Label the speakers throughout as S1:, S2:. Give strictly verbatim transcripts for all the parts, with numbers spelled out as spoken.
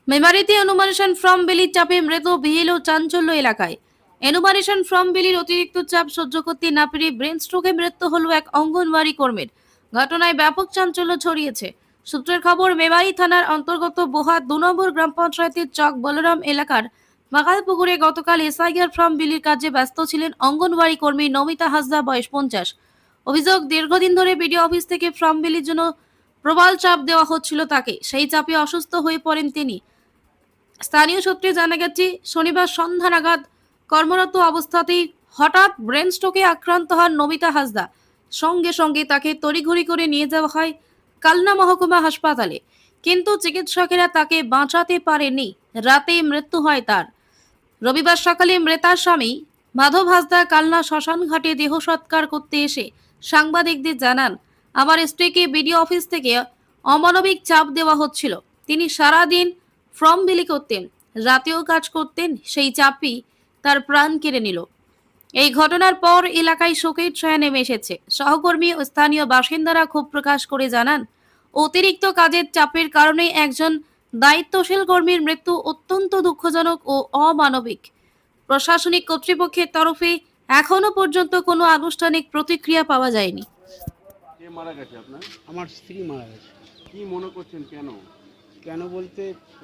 S1: মেমারিতে enumeration form বিলির চাপে মৃত বিহিল ও চাঞ্চল্য এলাকায়। এনুমারেশন ফর্ম বিলির অতিরিক্ত চাপ সহ্য করতে না পেরে ব্রেন স্ট্রোকে মৃত্যু হল এক অঙ্গনওয়াড়ি কর্মীর। ঘটনায় ব্যাপক চাঞ্চল্য ছড়িয়েছে। সূত্রের খবর, মেমারি থানার অন্তর্গত বোহা দু নম্বর গ্রাম পঞ্চায়েতের চক বলরাম এলাকার বাগালপুকুরে গতকাল এসআইআর ফর্ম বিলির কাজে ব্যস্ত ছিলেন অঙ্গনওয়াড়ি কর্মী নমিতা হাসদা, বয়স পঞ্চাশ। অভিযোগ, দীর্ঘদিন ধরে বিডিও অফিস থেকে ফর্ম বিলির জন্য প্রবল চাপ দেওয়া হচ্ছিল তাকে। সেই চাপে অসুস্থ হয়ে পড়েন তিনি। স্থানীয় সূত্রে জানা গেছে, শনিবার সন্ধ্যা নাগাদ কর্মরত অবস্থাতেই হঠাৎ ব্রেন স্ট্রোকে আক্রান্ত হন নমিতা হাসদা। সঙ্গে সঙ্গে তাকে তড়িঘড়ি করে নিয়ে যাওয়া হয় কালনা মহকুমা হাসপাতালে, কিন্তু চিকিৎসকেরা তাকে বাঁচাতে পারেনি। রাতেই মৃত্যু হয় তার। রবিবার সকালে মৃতার স্বামী মাধব হাসদা কালনা শ্মশান ঘাটে দেহ সৎকার করতে এসে সাংবাদিকদের জানান, আমার স্ত্রীকে বিডিও অফিস থেকে অমানবিক চাপ দেওয়া হচ্ছিল। তিনি সারাদিন ফর্ম বিলি করতেন, রাতেও কাজ করতেন, সেই চাপই তার প্রাণ কেড়ে নিল। এই ঘটনার পর এলাকায় শোকের ছায়া নেমে এসেছে। সহকর্মী ও স্থানীয় বাসিন্দারা ক্ষোভ প্রকাশ করে জানান, অতিরিক্ত কাজের চাপের কারণে একজন দায়িত্বশীল কর্মীর মৃত্যু অত্যন্ত দুঃখজনক ও অমানবিক। প্রশাসনিক কর্তৃপক্ষের তরফে এখনো পর্যন্ত কোনো আনুষ্ঠানিক প্রতিক্রিয়া পাওয়া যায়নি।
S2: কে মারা গেছে আপনার?
S3: আমার স্ত্রী মারা গেছে।
S2: কি মনে করছেন কেন?
S3: কেন বলতে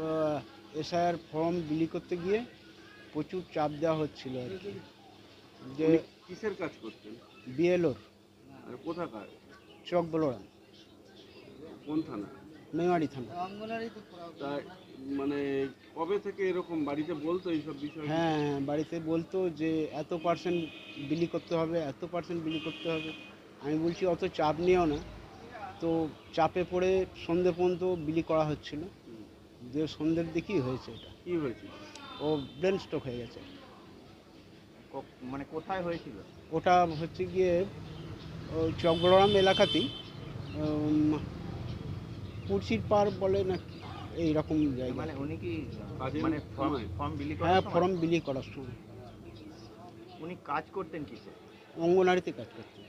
S3: এসআইআর ফর্ম বিলি করতে গিয়ে প্রচুর চাপ দেওয়া হচ্ছিল আর কি, যে
S2: উনি কিসের কাজ করতেন?
S3: বিএলওর
S2: আর কোথাকার?
S3: চক বলরাম,
S2: কোন থানা?
S3: মেমারি থানা।
S2: তা মানে কবে থেকে এরকম বাড়িতে বলতো এইসব বিষয়?
S3: হ্যাঁ হ্যাঁ, বাড়িতে বলতো যে এত পার্সেন্ট বিলি করতে হবে, এত পার্সেন্ট বিলি করতে হবে। আমি বলছি অত চাপ নিও না। তো চাপে পড়ে সন্ধে পর্যন্ত বিলি করা হচ্ছিল, যে সন্ধ্যের দিকেই হয়েছে এটা।
S2: কি হয়েছিল?
S3: ও ব্রেন স্ট্রোক হয়ে গেছে।
S2: মানে কোথায় হয়েছিল?
S3: ওটা হচ্ছে গিয়ে ওই চক বলরাম এলাকাতেই, উম, কুর্সির পার বলে না কি, এইরকম জায়গা।
S4: মানে উনি কি
S2: কাজের
S4: মানে ফর্ম
S2: সময়?
S4: ফর্ম বিলি
S3: হ্যাঁ,
S4: করার সময়
S3: ফর্ম বিলি করার সময়
S4: উনি কাজ করতেন কিসে?
S3: অঙ্গনারীতে কাজ করতেন।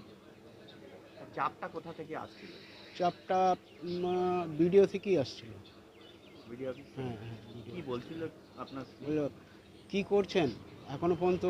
S4: চাপটা কোথা থেকে আসছিল?
S3: চাপটা ভিডিও থেকেই আসছিল।
S4: BDO office?
S3: হ্যাঁ হ্যাঁ,
S4: কি বলছিল আপনার স্ত্রী?
S3: বললো কী করছেন, এখনও পর্যন্ত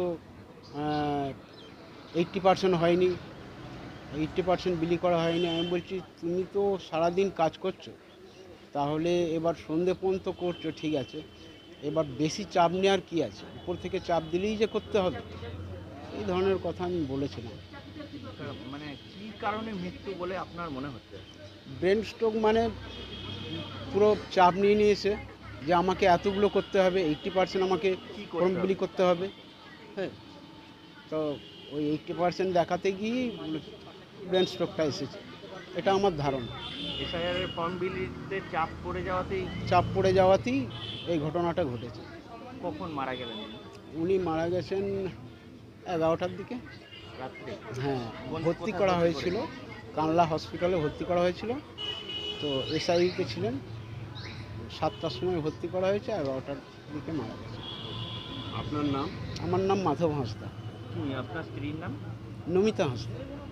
S3: এইট্টি পার্সেন্ট হয়নি, এইট্টি পার্সেন্ট বিলি করা হয়নি। আমি বলছি তুমি তো সারাদিন কাজ করছো, তাহলে এবার সন্ধে পর্যন্ত করছো, ঠিক আছে, এবার বেশি চাপ নেওয়ার কী আছে, উপর থেকে চাপ দিলেই যে করতে হবে, এই ধরনের কথা আমি বলেছিলাম।
S4: মানে কি কারণে মৃত্যু বলে আপনার মনে হচ্ছে?
S3: ব্রেন স্ট্রোক মানে পুরো চাপ নিয়ে নিয়েছে, যে আমাকে এতগুলো করতে হবে, এইট্টি পার্সেন্ট আমাকে
S4: কি
S3: ফর্ম
S4: করতে
S3: বিলি
S4: হবে?
S3: করতে হবে। হ্যাঁ, তো ওই এইট্টি পার্সেন্ট দেখাতে গিয়েই ব্রেন স্ট্রোকটা এসেছে, এটা আমার ধারণা।
S4: এসআইআর এর ফর্ম বিলিতে চাপ পড়ে যাওয়াতেই
S3: চাপ পড়ে যাওয়াতেই এই ঘটনাটা ঘটেছে।
S4: কখন মারা গেলেন উনি?
S3: উনি মারা গেছেন এগারোটার দিকে।
S4: রাত্রে?
S3: হ্যাঁ,
S4: কোন-
S3: ভর্তি
S4: কোথায়
S3: করা
S4: ভর্তি
S3: হয়েছিল, কানলা হসপিটালে ভর্তি করা হয়েছিল। তো এসআইতে ছিলেন, সাতটার সময় ভর্তি করা হয়েছে, এগারোটার দিকে মারা গেছে।
S2: আপনার নাম?
S3: আমার নাম মাধব হাঁসদা।
S4: কি আপনার স্ত্রীর নাম?
S3: নমিতা হাঁসদা।